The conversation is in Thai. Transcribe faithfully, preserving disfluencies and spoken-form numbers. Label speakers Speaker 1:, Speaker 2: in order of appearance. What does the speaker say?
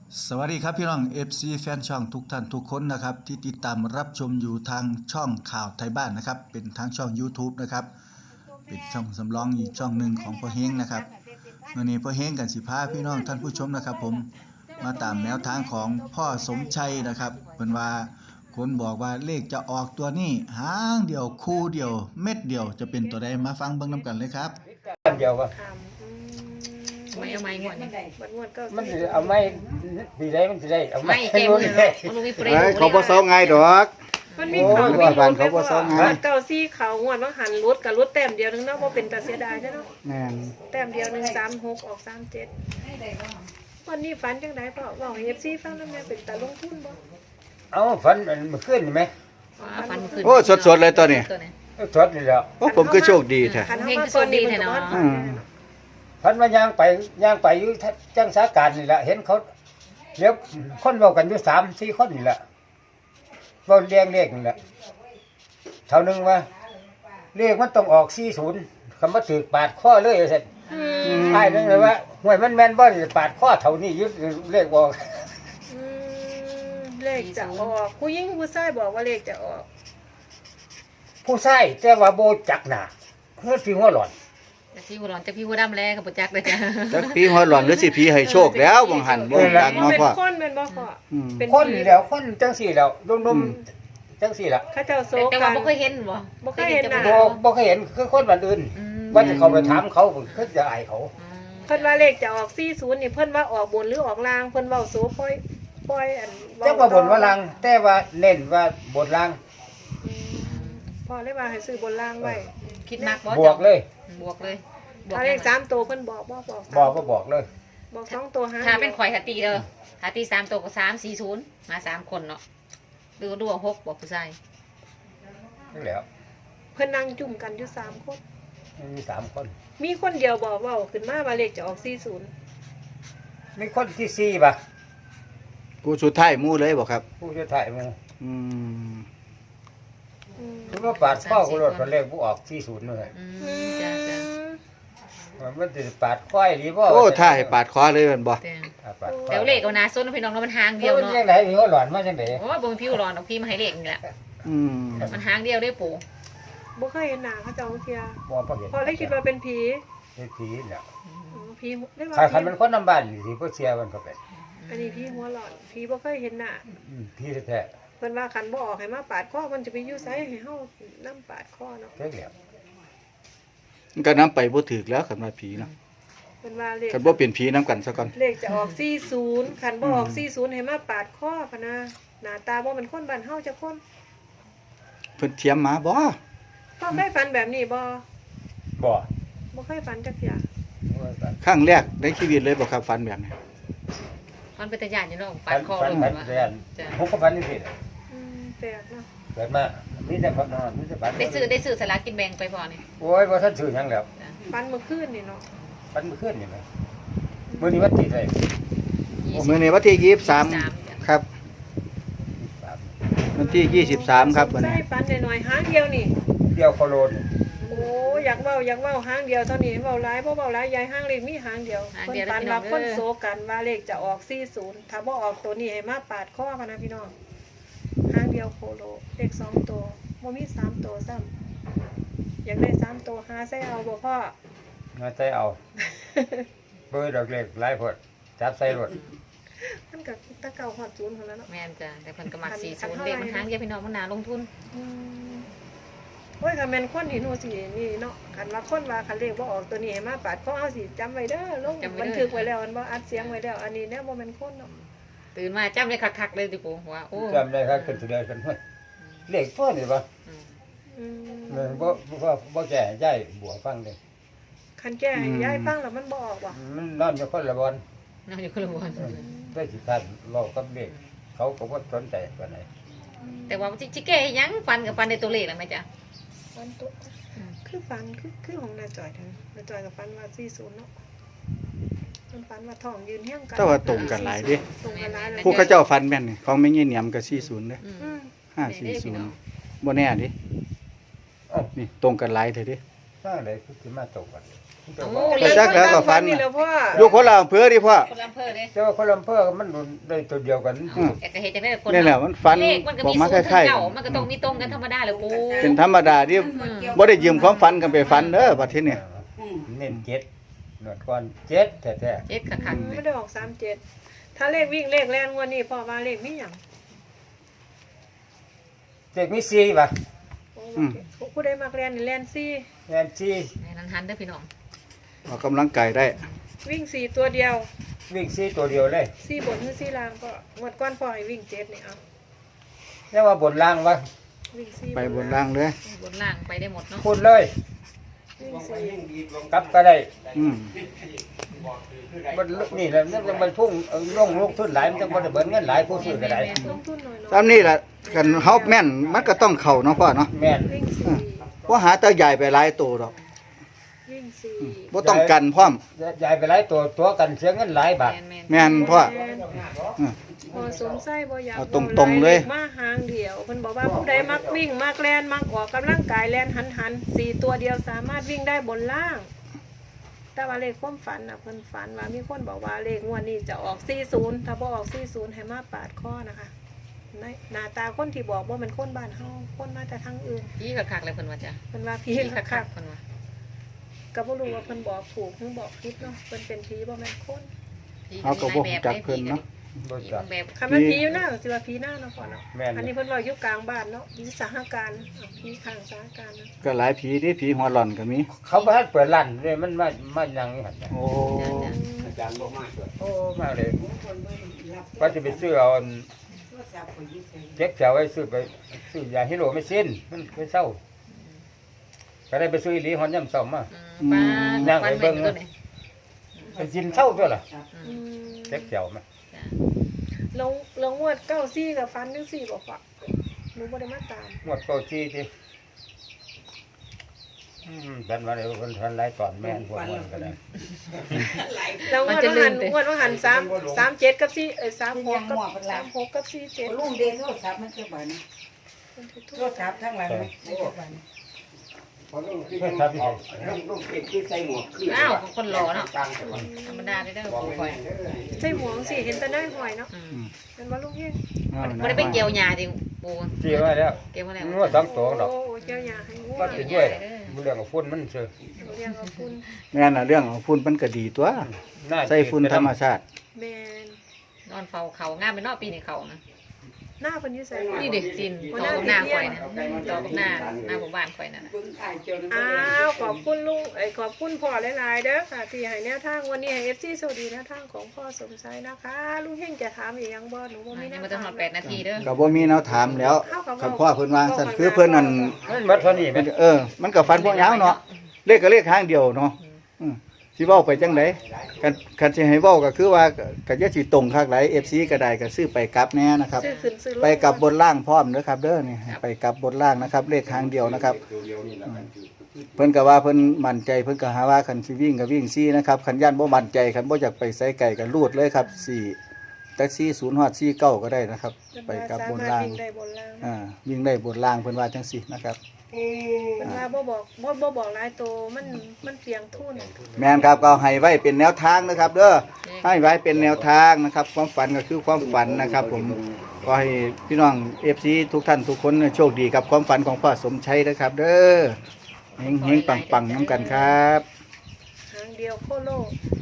Speaker 1: สวัสดีครับพี่น้อง เอฟ ซี แฟนช่องทุกท่านทุกคนนะครับที่ติดตามรับชมอยู่ทางช่องข่าวไทยบ้านนะครับเป็นทางช่อง YouTube นะครับเป็นช่องสำรองอีกช่องหนึ่งของพ่อเฮงนะครับวันนี้พ่อเฮงกันสิพาพี่น้องท่านผู้ชมนะครับผมมาตามแนวทางของพ่อสมชัยนะครับเป็นว่าคนบอกว่าเลขจะออกตัวนี้หางเดียวคู่เดียวเม็ดเดียวจะเป็นตัวใดมาฟังเบิ่งนำกันเลยครับ
Speaker 2: อันเดียววะ
Speaker 3: ทำอืม
Speaker 4: ไม่เอาไม้งวดนี่
Speaker 3: มันงวดก็
Speaker 2: มันสิเอาไม้สีได้มันสิได้เอา
Speaker 4: ไม่
Speaker 2: ไม้
Speaker 4: เจ็บ
Speaker 2: รู้
Speaker 4: มือ
Speaker 2: ได้
Speaker 4: มันลงมีเปร
Speaker 1: เฮ้ย
Speaker 4: ย์
Speaker 1: เขาบ่เซาง่ายดอก
Speaker 3: มันมี
Speaker 2: โอ้
Speaker 3: เขา
Speaker 2: ย
Speaker 3: มี
Speaker 1: ว่าบ้านเขาบ่ซ้อมไง
Speaker 3: เก้าซี่เขางวดว่าหันรุดกับรุดแต้มเดียวนึงเนาะบ่เป็นตาเสียดายเนาะ
Speaker 1: แม่น
Speaker 3: แต้มเดียวหนึ่งสามหกออกสามเจ็ดวันนี้ฝันจังไดพ่อบอกเอฟซีฟังแล้วแม่เป็นตาลงทุนบ่
Speaker 2: เอาฝันมันเมื่อคืนนี่ไหม
Speaker 4: ฟันขึ้น
Speaker 1: โอ้สดๆเลยตัวนี้
Speaker 4: ตัวนี้
Speaker 2: เอาสดนี่แหล้ว
Speaker 1: โอ้ผมก็โชคดีแท้
Speaker 3: ขันเข้ามาตอนนี้มันก็บ่ทันฝันแน่เนาะ
Speaker 2: ฝันว่าย่างไปย่างไปอยู่จังสาการนี่แหละเห็นเขาเรียกคนเว้ากันอยู่สามสี่คนนี่แหละเว้าเรียงเลขนี่แหละเท่านึงว่าเลขมันต้องออกสี่ศูนย์คำว่าถือปาดข้อเลยเสร็จ
Speaker 3: อืม
Speaker 2: ไอ้นึงเลยว่าห่วยมันแม่นบ่นี่ปาดข้อเท่านี้ยึดเลขบอก
Speaker 3: อืมเลขจะออกผู้หญิงผู้ชายบอกว่าเลขจะออก
Speaker 2: ผู้ชายแต่ว่าโบจักหนาเพื่อที่หัวหลอน
Speaker 4: จากพี่หัวร้อนจากพี่หัวดำแล้วกับปุจักเลยจ้ะ
Speaker 1: จักผีหัวหลอนหรือสิผีให้โชคแล้วบ่หันบ่จัก
Speaker 3: มัน
Speaker 1: เนาะ
Speaker 3: เป็น
Speaker 1: พ่อ
Speaker 3: คนเป็นบ่พ่อ
Speaker 1: อืม
Speaker 3: เป็น
Speaker 2: คนนี่แหล้วคนจังสี่แล้วนุ่มๆจังสี่ละ
Speaker 3: เขาเจ้าโซ
Speaker 4: แต่
Speaker 3: กั
Speaker 4: ว่าน บ่เคยเห็นบ่
Speaker 3: บ่เคยเห็นน่ะ
Speaker 2: โบบ่เคยเห็นคือคนบ้านอื่น
Speaker 4: อืม
Speaker 2: ว่าจะเขาไปถามเขาผมคือจะอายเขา
Speaker 4: อืม
Speaker 3: เพิ่นว่าเลขจะออกสี่สิบนี่เพิ่นว่าออกบนหรือออกล่างเพิ่นเว้าโซปล่อยปล่อยอันเ
Speaker 2: เจ้าว่าบนว่าลังแต่ว่าเน้นว่าบนลัง
Speaker 3: อืมพอเลยว่าให้ซื้อบนล่างไว้
Speaker 4: คิดมากบ่
Speaker 2: บวกเลย
Speaker 4: บวกเลยบวก
Speaker 3: ถ้าเลขสามตัวเพิ่นบอกบ่บอกสาม
Speaker 2: บอกก็บอกเลย
Speaker 3: บอกสองตัวหา
Speaker 4: ถ้าเป็นข่อยถ้าตีเด้อถ้าตีสามตัวก็สามสี่ศูนย์มาสามคนเนาะดูดูว่าหกบอกผู้ชาย
Speaker 2: นี่แหล้ว
Speaker 3: เพิ่นนั่งจุ่มกันอยู่สามคน
Speaker 2: มีสามคน
Speaker 3: มีคนเดียวบอกเว้าขึ้นมาว่าเลขจะออกสี่สิบ
Speaker 2: มีคนที่สี่ป่ะ
Speaker 1: ผู้สุดท้ายหมู่เลยบ่ครับ
Speaker 2: ผู้จะถ่ายมา
Speaker 1: อืม
Speaker 3: อืม
Speaker 2: คือว่าปาดข้อกูรถตอนแรกผู้ออกสี่ศูนย์เลย
Speaker 4: อืมจ้ะจ้ะ
Speaker 2: มันจะปาดข้อยหรือว่า
Speaker 1: โอ้ถ้าให้ปาดคอเลยแม่นบ่
Speaker 4: แต่
Speaker 2: ปาดข้อ
Speaker 4: เดี๋ยวเลขเอานะส้นพี่น้องแล้วมันหางเดี
Speaker 2: เดี
Speaker 4: ย
Speaker 2: ยว ว
Speaker 4: เนาะ
Speaker 2: ยังไงมีหัวหลอนมาจังได
Speaker 4: โอ้ยบ่มีพี่หัวร้อนเอาพี่มาให้เลขนี่แหละ
Speaker 1: อืม
Speaker 4: มันหางเดียวได้ปู่
Speaker 3: บ่เคยเห็นหน้าเขาเจ้าเที่ย
Speaker 2: บ่พอเห็น
Speaker 3: พอเลยคิดว่าเป็นผี
Speaker 2: เป็นผีเนี่ย
Speaker 3: อ๋อผีได้ว่า
Speaker 2: ใครคัน
Speaker 3: ผี
Speaker 2: มันคนนำบ้านอยู่ที่พ่อเชียร์มันก็เป็น
Speaker 3: อันนี้ผีหัวหลอนผีบ่เคยเห็นหน้า
Speaker 2: อืมผีแท้
Speaker 3: เพิ่นว่าคันบ่ออกให้มาปาดคอมันจะไปอยู่ไสให้เฮานํปาดคอเนาะ
Speaker 2: ๆเท่าแล้ว
Speaker 1: มันก็นํไปบ่ถูกแล้วคันว่าผีเนาะ
Speaker 3: เพิ่นว่าเลข
Speaker 1: คันบ่เป็นผีนํกันซะก่อน
Speaker 3: เลขจะออกสี่สิบคันบ่ออกสี่สิบให้มาปาดคอพะนะหน้าตาบ่เป็นคนบ้านเฮาจักคน
Speaker 1: เพิ่นเทียมมาบ่
Speaker 3: พ่อเคยฝันแบบนี้บ่
Speaker 2: บ่
Speaker 3: บ่เคยฝันจักอย่าง
Speaker 1: ครั้งแรกในชีวิตเลยบ่ครับฝันแบบนี้
Speaker 4: มันเป็นตาญาณอยู่เนาะปา
Speaker 2: ฟั
Speaker 4: ด
Speaker 2: น
Speaker 4: คอ
Speaker 2: ฟัน
Speaker 4: เลย
Speaker 2: ฟัน
Speaker 4: ว่า
Speaker 2: เรียน
Speaker 4: จ้ะ
Speaker 2: ผมก็ฟันนี่สิ
Speaker 3: อืมแปลกเนาะ
Speaker 2: เกิดมามีแต่ฟันนอนมีแต่ฟัน
Speaker 4: ได้ซื้อได้ซื้อสลากกินแบ่งไปพอนี่
Speaker 2: โอ้ยบ่ทันซื้อหยังแล้ว
Speaker 3: ฝันเมื่อคืนนี่เนาะ
Speaker 2: ฟันมื้อคืนนี่แหมมื้อนี้วันที่เท่าไหร่
Speaker 4: ยี่สิบ
Speaker 1: มื้อนี้วันที่ยี่สิบสาม
Speaker 4: จ้ะ
Speaker 1: ครับ
Speaker 2: สาม
Speaker 1: วันที่ยี่สิบสามครับวัน
Speaker 3: ใช่
Speaker 1: นี้
Speaker 3: ฝันหน่อยๆหางเดียวนี่
Speaker 2: เดียวโคโลน
Speaker 3: โอ้อยากเว้าอยากเว้าหางเดียวเท่านี้เว้าหลายบ่เว้าหลายยายหางเลขมีหางเดียวเพิ่นฝันว่าคนโซกันว่าเลขจะออกสี่สิบถ้าบ่ออกตัวนี้ให้มาปาดคอพะนะพี่น้องหางเดียวโคโลเลขสองตัวบ่มีสามตัวซ้ำอยากได้สามตัวหาใส่เอาบ่พ่อ
Speaker 2: มาใจเอาเบอร์ดอกเล็กหลายพดจับใส่รถ
Speaker 3: มันก็ตะเก่าฮอดศูนย์พุ่นแล้วเนาะ
Speaker 4: แม่นจ้ะแต่เพิ่นก็มักสี่ศูนย์เลขมันหางเดียวพี่น้องมันน่าลงทุน
Speaker 3: อืมโอ้ยคันแม่นคนที่หนูสินี่เนาะคันว่าคนว่าคันเลขบ่ออกตัวนี้ให้มาปาดคอเอาสิจำไว้เด้อลงบันทึกไว้แล้วมันบ่อัดเสียงไว้แล้วอันนี้แน่บ่แม่นคนเนาะ
Speaker 4: ตื่นมาจำเลยคักๆเลยติปู่ว่าโอ้
Speaker 2: จำได้ครับขึ้นสุดเดียวกันห้วยเลขตัวนี่บ่
Speaker 4: อืม
Speaker 3: อืม
Speaker 2: มันบ่บ่บ่แก่ใหญ่บัวฟังเลย
Speaker 3: คันแก้ให้ยายฟังแล้วมันบ่ออกบ่
Speaker 2: มันนอนอยู่คนละบอน
Speaker 4: นอนอยู่คนละวัน
Speaker 2: ได้สิทันเรากับเด็กเขาก็บ่สนใจปานใด
Speaker 4: แต่ว่าจิจิแก่ยังฟันกับฟันในตัวเลขแล้วไหมจ๊ะ
Speaker 3: ฟันตัวคือฟันคือคือของนาจอยเท่านั้นนาจอยกับฟันว่าสี่สิบเนาะมันฟันว่าท้องยืนเฮี้ยงกัน
Speaker 1: แต่ว่าตรงกันหลายเด้
Speaker 3: ตรงกันหลายเลย
Speaker 1: ผู้เขาเจ้าฝันแม่นนี่ของแม่ยี่เหนียมก็สี่สิบเด้
Speaker 4: อืม
Speaker 3: อืม
Speaker 1: ห้าสี่ศูนย์บ่แน่ดิ
Speaker 2: เอ้า
Speaker 1: นี่ตรงกันหลายเด้อเดิ
Speaker 2: สร้างได้คือสิมาตกกัน
Speaker 1: แต่จักแล้วก็ฝัน
Speaker 3: นี่แหล้วพ่อ
Speaker 1: อยู่คนละอำเภอดิพ่อ
Speaker 4: คนละอำเภอเลย
Speaker 2: แต่ว่าคนลำเภอมันได้ตัวเดียวกัน
Speaker 1: อืม
Speaker 4: แต่ก็เห็นจะได้คน
Speaker 1: นี่แหละมันฝัน
Speaker 4: เลขมันก็
Speaker 1: ออก
Speaker 4: มี
Speaker 1: มา
Speaker 4: สู
Speaker 1: ค
Speaker 4: ตร
Speaker 1: ล้าย
Speaker 4: เก่ามันก็ต้องมีตรงกันธรรมดาเลยปู
Speaker 1: ๆเป็นธรรมดาที่บ่ได้ยืมความฝันกันไปฝันเด้อบัดทีนี้
Speaker 2: เน้นเจ็ดหนวดก่อนเจ็ดแท้
Speaker 4: เจ็ดขักๆเล
Speaker 3: ไม่
Speaker 4: ย
Speaker 3: ได้ออกสามเจ็ดถ้าเลขวิ่งเลขแล่นงวดนี้พ่อว่าเลขมีหยัง
Speaker 2: ๆเจ็ดมีสี่ป่ะ
Speaker 3: โอ้ผู้ใดมักแล่นนี่แล่นสี่
Speaker 2: แม่นสี่
Speaker 4: ในนั้นหันเด้อพี่น้อง
Speaker 1: ออกกำลังกายได้
Speaker 3: วิ่งสี่ตัวเดียว
Speaker 2: วิ่งสี่ตัวเดียวเลย
Speaker 3: สี่บนหรือสี่ล่างก็งวดก้อนพ่อให้วิ่งเจ็ดนี่เอา
Speaker 2: เรียกว่าบนล่างวะ
Speaker 3: วิ่งสี่
Speaker 1: ไปบนล่างเลย
Speaker 4: บนล่างไปได้หมดเนาะ
Speaker 2: พูดเลย
Speaker 3: วิ่งสี่
Speaker 2: กลับก็ได้
Speaker 1: อืม
Speaker 2: มันนี่แหละมันมันพุ่งเอาลงลูกทุนหลายมันจะบ่ได้เบิดเงินหลายผู้ซื้อก็ได้
Speaker 3: ลงทุนหน่อยเนาะ
Speaker 1: ตามนี้ล่ะกันเฮาแม่นมันก็ต้องเข้าเนาะพ่อเนาะ
Speaker 2: แม่น
Speaker 3: วิ่งสี่
Speaker 1: บ่หาตาใหญ่ไปหลายตัวดอก
Speaker 3: วิ่งสี่
Speaker 1: บ่ต้องกันพร้อม
Speaker 2: ยายไปหลายตัวตัวกันเสียเงินหลายบาท
Speaker 4: แมนแมน
Speaker 1: แม่นพ่อ
Speaker 3: แม่น
Speaker 1: อืม
Speaker 3: พอสมไส้บ่อยาก
Speaker 1: เอาตรงๆเลย
Speaker 3: มาหางเดียวเพิ่นบอกว่าผู้ใดมักวิ่งมักแล่นมักออกกำลังกายแล่นหันหันๆสี่ตัวเดียวสามารถวิ่งได้บนล่าง แต่ว่าเลขความฝันน่ะเพิ่นฝันว่ามีคนบอกว่าเลขงวดนี้จะออกสี่สิบถ้าบ่ออกสี่สิบให้มาปาดข้อนะคะในหน้าตาคนที่บอกว่ามันคนบ้านเฮาคนมาแต่ทางอื่น
Speaker 4: พี่ขักๆเลยเพิ่นว่าจ้ะ
Speaker 3: เพิ่นว่าผี
Speaker 4: พี่
Speaker 3: คั
Speaker 4: ขั
Speaker 3: ก
Speaker 4: กๆเพิ่นว่า
Speaker 3: ๆก็บ่รู้ว่าเพิ่นบอกถูกหรือบอกผิดเนาะเพิ่นเป็นผีบ่แม่นคน
Speaker 4: พี่
Speaker 1: เอาก็บ่รู้จักเพิ่นเนาะ
Speaker 2: บ่
Speaker 4: พี่
Speaker 2: จัก
Speaker 4: แบบ
Speaker 3: คันมันผีอยู่หน้าก็สิว่าผีหน้าเนาะพ่อเนาะ
Speaker 2: แม่น
Speaker 3: อันนี้เพิ่นว่าอยู่กลางบ้านเนาะอยู่สหการเอาผีข้างสหการนะ
Speaker 1: ก็หลายผีที่ผีหัวหล่อนก็มี
Speaker 2: เขาบ่ทันเปิดร้านเลยมันมามายังอยู่หั่นน่ะ
Speaker 1: โอ้
Speaker 2: โอ้มาเลยว่าจะไปซื้อเอาอันเจ็บแถวไว้ซื้อไปซื้อยาฮิโรไม่สิ้นมันไปเศร้าก็ได้ไปซื้ออีหลีฮอนย่ำเศร้ามา
Speaker 4: อืมป้าวันเบิ่งตัวนี้
Speaker 2: ไปกินเศร้าตัวล่ะ
Speaker 3: อืม
Speaker 2: เจ็บแถวมา
Speaker 4: จ้ะ
Speaker 3: ลงลงงวดเก้าซี่กับฟันจังซี่บ่พ่อหนูบ่ได้มาตาม
Speaker 2: หมดเก้าจี้ที่อืมฉันว่าเดี๋ยวคนทันไล่ตอนแม่นพวกมันก็ได้
Speaker 3: แล้วงวดว่าหันงวดว่าหันสามสามเจ็ดกับสี่เอ้ยสามหกกับสามหกกับสี่เจ็ด
Speaker 5: ลุงเดนโทรศัพท์มันจะบันโทรศัพท์ทั้งหลังมันจะบัน
Speaker 2: เพื่อนทับที่
Speaker 4: อ้าวคนรอเนาะธรรมดาได้เด้อปูคอย
Speaker 3: ใส่หมวกสิเห็นแต่หน้าหอยเนาะ
Speaker 4: อืม
Speaker 3: เป็นว่าลุงเฮง
Speaker 1: เอานะ
Speaker 4: บ่ได้ไปเกี่ยวหญ้าติปู
Speaker 2: จี้มาแล้ว
Speaker 4: เกี่ยวมาแล้ว
Speaker 2: งวดสองตัวดอก
Speaker 3: โอ้เจ้าหยาให้งว
Speaker 2: ก็
Speaker 3: ด
Speaker 2: เป็นด้วยเรื่องของฝุ่นมันเสือ
Speaker 3: เรียกว่าคุณ
Speaker 1: แม่นน่ะเรื่องของฝุ่นมันก็ดีตัว
Speaker 2: น่า
Speaker 1: ใส่ฝุ่นธรรมชาติ
Speaker 3: แมน
Speaker 4: นอนเฝ้าเขางามเป็นเนอกปีนี้เขานะ
Speaker 3: หน้าเพิ่นอยู่ใส่
Speaker 4: นี่เด็กจินต่อกับหน้าข่อยนะต่อกับหน้าหน้าหมู่บ้านข่อยนั่นน่ะ
Speaker 5: เบิ่งถ่ายเจ้านั้น
Speaker 3: อ้าวขอบคุณลุงเอ้ยขอบคุณพ่อหลายๆเด้อค่ะที่ให้แนวทางวันนี้ให้ เอฟ ซี สวัสดีแนวทางของพ่อสมชายนะคะลุงเฮงจะถามอีกยังบ่หนูบ่มีแน
Speaker 4: ยัง
Speaker 3: ว
Speaker 4: บ่ต้อง
Speaker 3: ถาร ม
Speaker 4: อแปดนาทีเด้อ
Speaker 1: ก็บ่มีแนวถามแล้วคันพ่อเพิ่นวางสั่นคือเพิ่นนั่น
Speaker 2: มันหมดเท่านี้ไหม
Speaker 1: เออ มันก็ฟันพวกยาวเนาะเลขก็เลขทางเดียวเนาะอืมสิเว้าไปจังไดคันคันสิให้เว้าก็คือว่าก็อย่าสิตรงคักหลาย เอฟ ซี ก็ได้ก็ซื้อไปกลับแน่นะครับ
Speaker 3: ซื้อขึ้นซื้อลง
Speaker 1: ไปกับบนล่างพร้อมเด้อครับเด้อนี่ไปกับบนล่างนะครับ เลขทางเดียวนะครับอืมเพิ่นก็ว่าเพิ่นมั่นใจเพิ่นก็หาว่าคันสิวิ่งก็วิ่งซี่นะครับคันย่านบ่มั่นใจคันบ่อยากไปไสไก่ก็รูดเลยครับสี่แต่สี่ศูนย์ฮอดสี่เก้าก็ได้นะครับ ไปกับบนล่าง
Speaker 3: สมรถวิ่ได้บนล่าง
Speaker 1: อ่าวิ่งได้บนล่างเพิ่นว่าจังซี่นะครับ
Speaker 3: เป็นว่าบ่บอกบ่บ่บอกหลายโตมันมันเปลียงทุน
Speaker 1: แม่นครับก็ให้ไว้เป็นแนวทางนะครับเด้อให้ไว้เป็นแนวทางนะครับ ความฝันก็คือความฝันนะครับ ผมก็ให้พี่น้อง เอฟ ซี ทุกท่านทุกคนโชคดีกับความฝันของพ่อสมชัยนะครับ เด้อเฮงๆปังๆน้ำกันครับ
Speaker 3: หางเดียวโคโล